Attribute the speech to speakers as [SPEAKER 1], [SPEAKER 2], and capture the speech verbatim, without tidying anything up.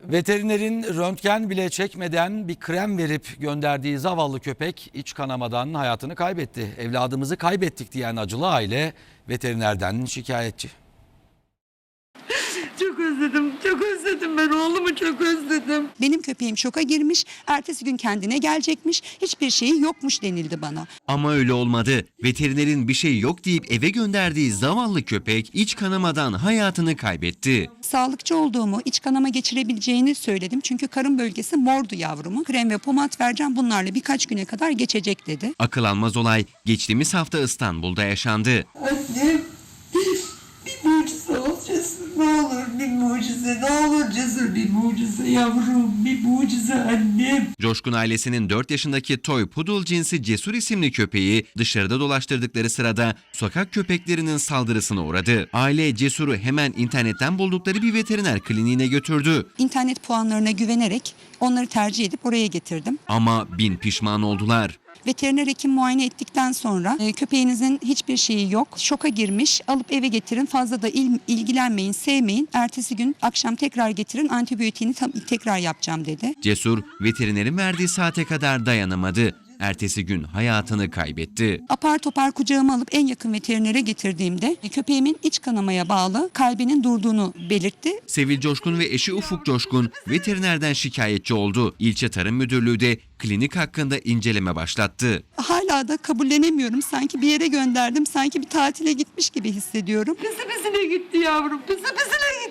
[SPEAKER 1] Veterinerin röntgen bile çekmeden bir krem verip gönderdiği zavallı köpek iç kanamadan hayatını kaybetti. Evladımızı kaybettik diyen acılı aile veterinerden şikayetçi.
[SPEAKER 2] Çok özledim, çok özledim ben oğlumu çok özledim.
[SPEAKER 3] Benim köpeğim şoka girmiş, ertesi gün kendine gelecekmiş, hiçbir şeyi yokmuş denildi bana.
[SPEAKER 4] Ama öyle olmadı. Veterinerin bir şey yok deyip eve gönderdiği zavallı köpek iç kanamadan hayatını kaybetti.
[SPEAKER 3] Sağlıkçı olduğumu, iç kanama geçirebileceğini söyledim. Çünkü karın bölgesi mordu yavrumu. Krem ve pomat vereceğim, bunlarla birkaç güne kadar geçecek dedi.
[SPEAKER 4] Akıl almaz olay geçtiğimiz hafta İstanbul'da yaşandı.
[SPEAKER 2] Annem bir mucize ol Cesur, ne olur bir mucize, ne olur Cesur bir mucize yavrum, bir mucize annem.
[SPEAKER 4] Coşkun ailesinin dört yaşındaki toy poodle cinsi Cesur isimli köpeği dışarıda dolaştırdıkları sırada sokak köpeklerinin saldırısına uğradı. Aile Cesur'u hemen internetten buldukları bir veteriner kliniğine götürdü.
[SPEAKER 3] İnternet puanlarına güvenerek onları tercih edip oraya getirdim.
[SPEAKER 4] Ama bin pişman oldular.
[SPEAKER 3] Veteriner hekim muayene ettikten sonra e, köpeğinizin hiçbir şeyi yok, şoka girmiş, alıp eve getirin, fazla da il, ilgilenmeyin, sevmeyin. Ertesi gün akşam tekrar getirin, antibiyotiğini tam, tekrar yapacağım dedi.
[SPEAKER 4] Cesur veterinerin verdiği saate kadar dayanamadı. Ertesi gün hayatını kaybetti.
[SPEAKER 3] Apar topar kucağıma alıp en yakın veterinere getirdiğimde köpeğimin iç kanamaya bağlı kalbinin durduğunu belirtti.
[SPEAKER 4] Sevil Coşkun ve eşi Ufuk Coşkun veterinerden şikayetçi oldu. İlçe Tarım Müdürlüğü de klinik hakkında inceleme başlattı.
[SPEAKER 3] Hala da kabullenemiyorum. Sanki bir yere gönderdim, sanki bir tatile gitmiş gibi hissediyorum.
[SPEAKER 2] Pisi pisine gitti yavrum, pisi pisine gitti.